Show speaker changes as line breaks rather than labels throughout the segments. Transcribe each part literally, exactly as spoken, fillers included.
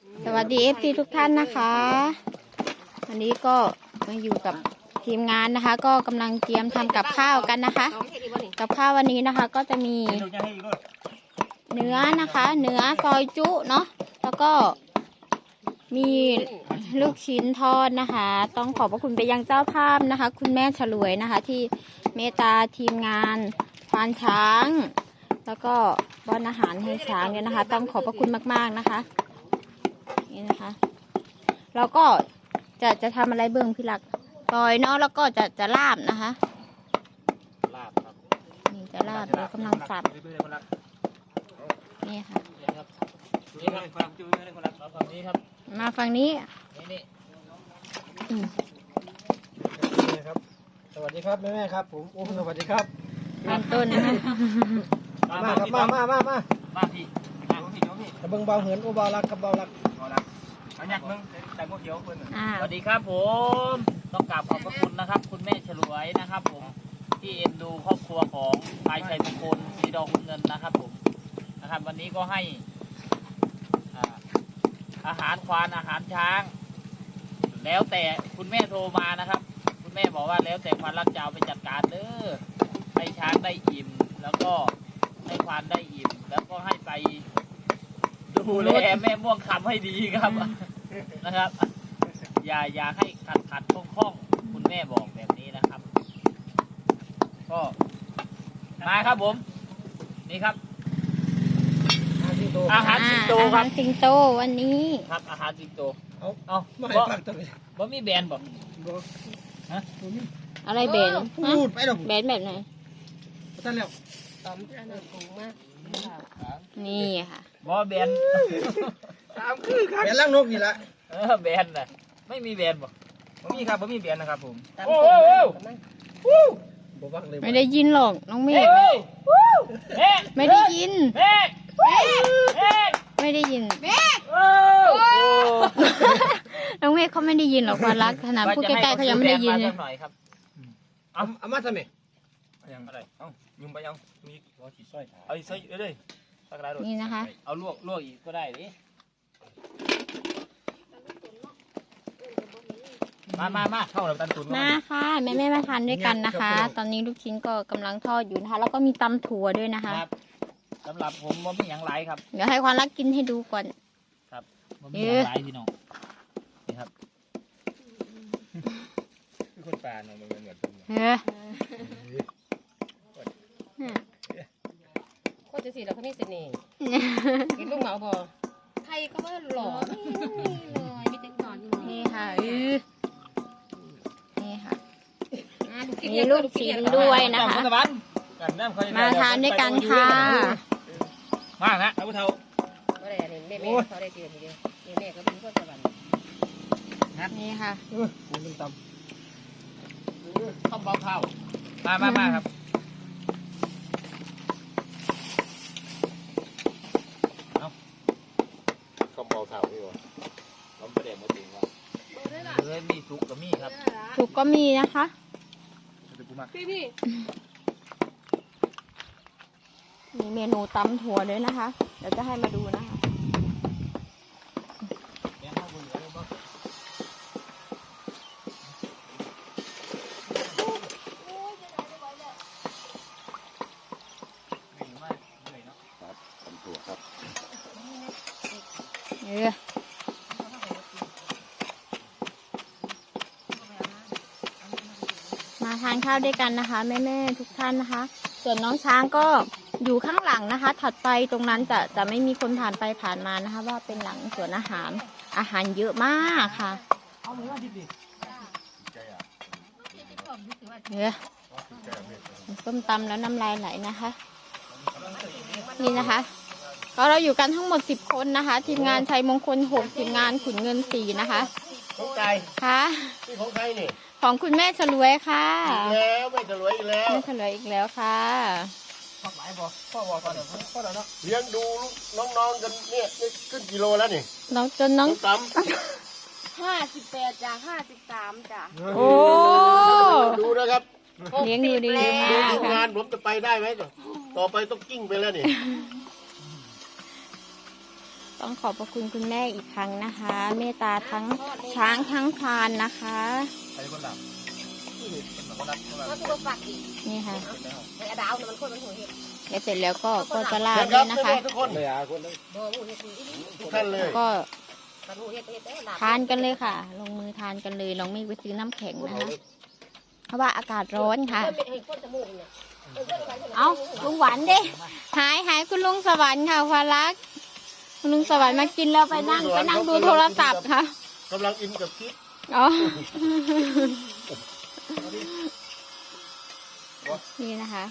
สวัสดีเอฟซีทุกท่านนะคะวันนี้ก็มาอยู่กับทีมงานนะคะ ก็กำลังเตรียมทำกับข้าวกันนะคะกับข้าววันนี้นะคะ ก็จะมีเนื้อนะคะ เนื้อซอยจุเนาะแล้วก็มีลูกชิ้นทอดนะคะ ต้องขอบพระคุณไปยังเจ้าภาพนะคะ คุณแม่ฉลวยนะคะ ที่เมตตาทีมงานควานช้าง แล้วก็ป้อนอาหารให้ช้างเนี่ยนะคะ ต้องขอบพระคุณมากๆนะคะนี่นะคะแล้วก็จะจะทำอะไรเบื้องพี่ลักซอยเนาะแล้วก็จะจะลาบนะคะลาบครับนี่จะลาบเรากำลังสับนี่ค่ะนี่ครับความจุ้ยคนละฝั่งนี้ครับมาฝั่งนี้นี่นี่
นี่ครับสวัสดีครับแม่แม่ครับผมโอ้สวัสดีครับ
ตอนต้นนะคะ
มาครับมามามามา
มาพี่มาพี่โยพี่
กระเบื้องเบาเหินโอเบารักกับเบารัก
เบารักอันยักษ์มึงแต่งพวกเขียวเพื่อนสวัสดีครับผมต้องกราบขอบพระคุณนะครับคุณแม่ฉลวยนะครับผมที่เอ็นดูครอบครัวของพายชัยมงคลสีดอกคุณเงินนะครับผมนะครับวันนี้ก็ให้อาหารควานอาหารช้างแล้วแต่คุณแม่โทรมานะครับคุณแม่บอกว่าแล้วแต่ควานรักจะเอาไปจัดการเด้อให้ช้างได้อิ่มแล้วก็ให้ควานได้อิ่มแล้วก็ให้ไปดูแลแม่ม่วงคำให้ดีครับนะครับอย่าอย่าให้ขัดขัดคล่องคล่องคุณแม่บอกแบบนี้นะครับก็มาครับผมนี่ครับอาหารสิงโตครับ
สิงโตวันนี้
ครับอาหารสิงโต
เอาเอาไม่ฟังตัวนี้
บ่มีแบรนด์บ่
ฮะอะไรแบรนด์
พูดไปหรอ
แบรนด์แบบไหน
ท่านแล้ว
ตอมอันนั้นถูกมากนี่ค่ะ
บ่แบรนด์
ตามคือครับแบรนด์ล่างนกนี่แหละ
เออแบรนด์น่ะไม่มีแบรนด์บ่บ่มีครับบ่มีแบรนด์นะครับผม
โอ้โหบ่ฟังเลย
ไม่ได้ยินหรอกน้องเมฆไม่ได้ยินไม่ได้ยินน้องเมฆเขาไม่ได้ยินหรอกความรักขนาดพูดใกล้ๆเขายังไม่ได้ยินเลย
เอาเอามาทำไม
ยังอะไรเอ้ายุ่งไปยังมีหัวขีดสร้อยเอาอีกสร้อยเลยสักไร
นี่นะคะ
เอาลวกลวกอีกก็ได้ดิมามามาเข้าแล้วตันตุน
มาค่ะแม่แม่มาทานด้วยกันนะคะตอนนี้ลูกชิ้นก็กำลังทอดอยู่นะคะแล้วก็มีตำถั่วด้วยนะคะ
สำหรับผมว่ามีอย่างไรครับ
เดี๋ยวให้ความรักกินให้ดูก่อน
ครับว่ามีอย่างไรพี่น้องนี่ครับคือคนป่าเนาะมันเหมือนกัน
เฮ้ย
โคตรจะสีแล้วเขามีเสน่ห์กินลูกเหมาพอใครก็ว่าหล่อเลยมีแต่ก่อน
นี่ค่ะนี่ค่ะมีลูกชิ้นด้วยนะคะมาทานด้วยกันค่ะ
มากนะท่านผู้เฒ่า
ก็ได้เห็นแม่แม่เขาได้เจอทีเดียวแม่แม่ก็เป็นคนสวรรค์
นี่ค่ะ
คุณเป็นต
ำต้มเบาเผามามามาครับเอาต้มเบาเผาพี่วะต้มประเดี๋ยวมาถึงว่าเฮ้ยมีสุกก็มีครับ
สุกก็มีนะคะ
พี่พี่
มีเมนูตำถั่วด้วยนะคะเดี๋ยวจะให้มาดูนะคะเออมาทานข้าวด้วยกันนะคะแม่ๆทุกท่านนะคะส่วนน้องช้างก็อยู่ข้างหลังนะคะถัดไปตรงนั้นจะจะไม่มีคนผ่านไปผ่านมานะคะว่าเป็นหลังสวนอาหารอาหารเยอะมากค่ะเฮ้ยส้มตำแล้วน้ำลายไหลนะคะนี่นะคะก็เราอยู่กันทั้งหมดสิบคนนะคะทีมงานชัยมงคลหกทีมงานขุนเงินสี่นะคะ
ของใคร
ค่ะ
ของใครนี่
ของคุณแม่ฉลวยค่ะ
แล้วไม่ฉลวยอีกแล้ว
แม่ฉลวยอีกแล้วค่ะ
พ่อหมายบอกพ่อบอกก่อนเดี๋ยวพ่อเดี๋ยวนะเลี้ยงดูน้องๆกันเนี่ยขึ้นกิโลแล้วนี่
น้องจนน้อง
ตั้ม
ห้าสิบแปดจ้ะห้าสิบสามจ้ะ
โอ้
ดูนะครับ
เลี้ยงดูดีมาก
ดูทีมงานผมจะไปได้ไหมต่อไปต้องกิ้งไปแล้วนี่
ต้องขอบพระคุณคุณแม่อีกครั้งนะคะ เมตตาทั้งช้างทั้งพรานนะคะ
ใครคนหลับคนหลับคนหลับ
ก็คือฝักอีก
นี่ค่ะ
ไอ้ดาวเนี่ยมันคนมันหัวเห็ด
เดี๋ยวเสร็จแล้วก็ก็จะลา
เชิ
ด
ญค
ด้
รั
ว
บ
ยนะคะ
ทุกคน
เลยอ่ะคนเลย
บ่หัวเห็ดอีนี่
ทุกท่านเลย
ก็
มันหัวเห็ดเห็ดได้หลับ
ทานกันเลยค่ะ ลงมือทานกันเลยน้องเมฆไปซื้อน้ำแข็งนะคะเพราะว่าอากาศร้อนค่ะ
เห็ดคนจมูกเนี่ย
เอาลุงหวานเด้หายหายคุณลุงสวรรค์ค่ะควารักคุณลุงสวรรค์มากินแล้วไปนั่งไปนั่งดูโทรศัพท์ค่ะ
กำลังอินกับคลิป
อ๋อ นี่นะคะ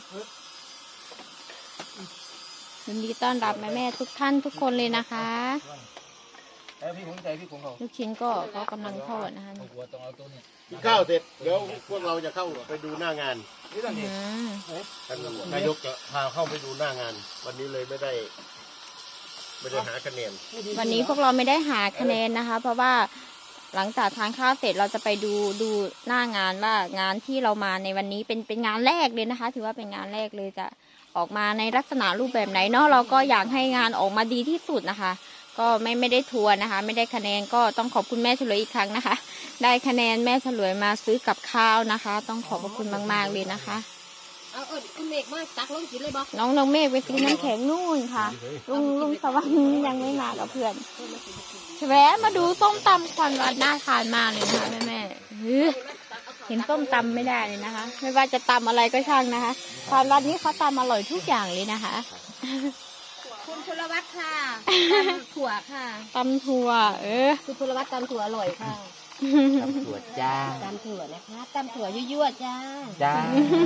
ยินดีต้อนรับแม่แม่ๆทุกท่านทุกคนเลยนะคะ
แต่พี่ผมใจพี่ผมเขา
ลูกชิ้นก็ก็กำลังทอดนะคะ
หัวต้องเอาตัวนี้
กินข้าวเสร็จเดี๋ยวพวกเราจะเข้าไปดูหน้างาน
นี่ตอนนี้
อืม
ท่านนายกจะพาเข้าไปดูหน้างาน วันนี้เลยไม่ได้ ไม่ได้หาคะแนน
วันนี้พวกเราไม่ได้หาคะแนนนะคะ เพราะว่าหลังจากทานข้าวเสร็จเราจะไปดูดูหน้างานว่างานที่เรามาในวันนี้เป็นเป็นงานแรกเลยนะคะ ถือว่าเป็นงานแรกเลยจะออกมาในลักษณะรูปแบบไหนเนาะเราก็อยากให้งานออกมาดีที่สุดนะคะ ก็ไม่ไม่ได้ทัวร์นะคะ ไม่ได้คะแนนก็ต้องขอบคุณแม่ฉลวยอีกครั้งนะคะ ได้คะแนนแม่ฉลวยมาซื้อกับข้าวนะคะ ต้องขอบพระคุณมากๆเลยนะคะ
เอาเออคุณเมฆมาตักลงกินเลยบ่
น้องน้องเมฆไปซื้อน้ำแข็งนู่นค่ะลุงลุงสวรรค์ยังไม่มากับเพื่อนแวะมาดูส้มตำควันวัดน่าทานมากเลยนะคะแม่แม่ๆเฮ้ยเห็นส้มตำไม่ได้เลยนะคะ ไม่ว่าจะตำอะไรก็ช่างนะคะควันวัดนี้เขาตำอร่อยทุกอย่างเลยนะคะ
คุณพลวัตค่ะตำถั่วค่ะ
ตำถั่วเออ
คุณพลวัตตำถั่วอร่อยค่ะ
ตำรวจจ้า
ตำถั่วนะคะตำถั่วยั่วๆจ้า
จ้า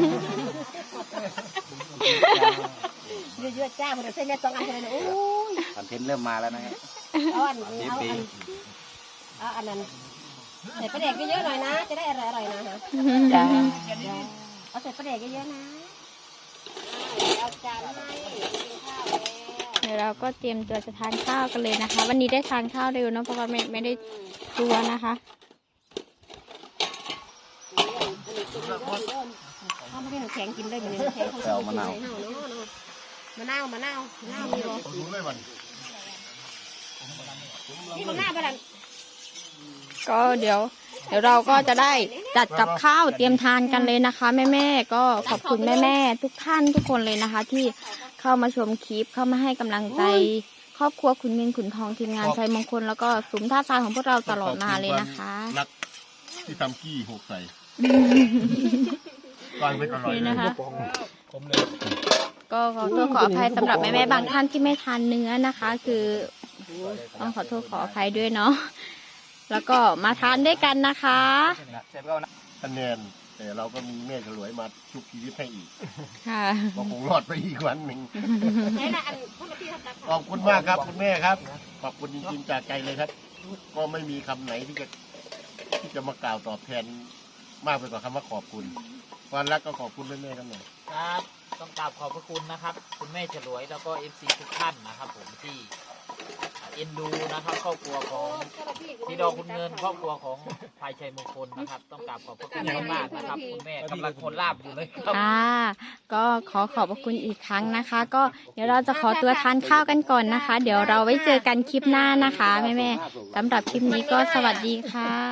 ยั่วๆจ้าพอเราเส้นแม่ต้องอันเลยนะโอ้ย
คอนเทนต์เริ่มมาแล้วนะครับ
เอาอันเอาอันเอาอันนั้นใส่ปลาแดกเยอะๆหน่อยนะ จะได้อร่อยๆนะฮะ
จ้า
เอาใส่ปลาแดกเยอะๆนะเอาจานให้กินข้าวแล้ว
เดี๋ยวเราก็เตรียมตัวจะทานข้าวกันเลยนะคะ วันนี้ได้ทานข้าวเร็วเนอะเพราะว่าไม่ไม่ได้ตัวนะคะ
เขาไม่ได้น้ำแข็งกินได้เหมือนน้ำแข็งเขากินให้เฮาเนาะมะนาวมะนาวมะนาวมีบ่
ดูเลยมัน
นี่มะนาวบ้าน
ก็เดี๋ยว เดี๋ยวเราก็จะได้จัดกับข้าวเตรียมทานกันเลยนะคะแม่แม่ๆก็ขอบคุณแม่แม่ๆทุกท่านทุกคนเลยนะคะ ที่เข้ามาชมคลิปเข้ามาให้กำลังใจ ครอบครัวขุนเงินขุนทองทีมงานชัยมงคลแล้วก็สุมท่าทรายของพวกเราตลอดมาเลยนะคะ
นักที่ทำกี้หกใส่วางเป็นอร่อย
นี่
เลย
นะคะ
ผมเลย
ก็ขอโทษขออภัยสำหรับแม่แม่ๆบางท่านที่ไม่ทานเนื้อนะคะ คือต้องขอโทษขออภัยด้วยเนาะแล้วก็มาทานด้วยกันนะคะ
เสร็จแล้วนะ
คะแนนแต่เราก็มีแม่ฉลวยมาชุบชีวิตให้อีก
ค่ะ
ก็คงรอดไปอีกวันหนึ่ง
นี่ละอันพวกที่ทำตา
ขอบคุณมากครับคุณแม่ครับ ขอบคุณจริงๆจากใจเลยครับ ก็ไม่มีคำไหนที่จะที่จะมากล่าวตอบแทนมากไปกว่าคำว่าขอบคุณความรักก็ขอบคุณแม่ๆกันหน่อย
ครับ ต้องกราบขอบพระคุณนะครับ คุณแม่ฉลวยแล้วก็เอฟซีทุกท่านนะครับผมที่เอ็นดูนะครับครอบครัวของสีดอกคุณเงินครอบครัวของภายชัยมงคลนะครับ ต้องกราบขอบพระคุณมากๆนะครับคุณแม่กำลังคนลาบอยู่เลยครับ
ค่ะ ก็ขอขอบพระคุณอีกครั้งนะคะ ก็เดี๋ยวเราจะขอตัวทานข้าวกันก่อนนะคะ เดี๋ยวเราไว้เจอกันคลิปหน้านะคะแม่ๆสำหรับคลิปนี้ก็สวัสดีค่ะ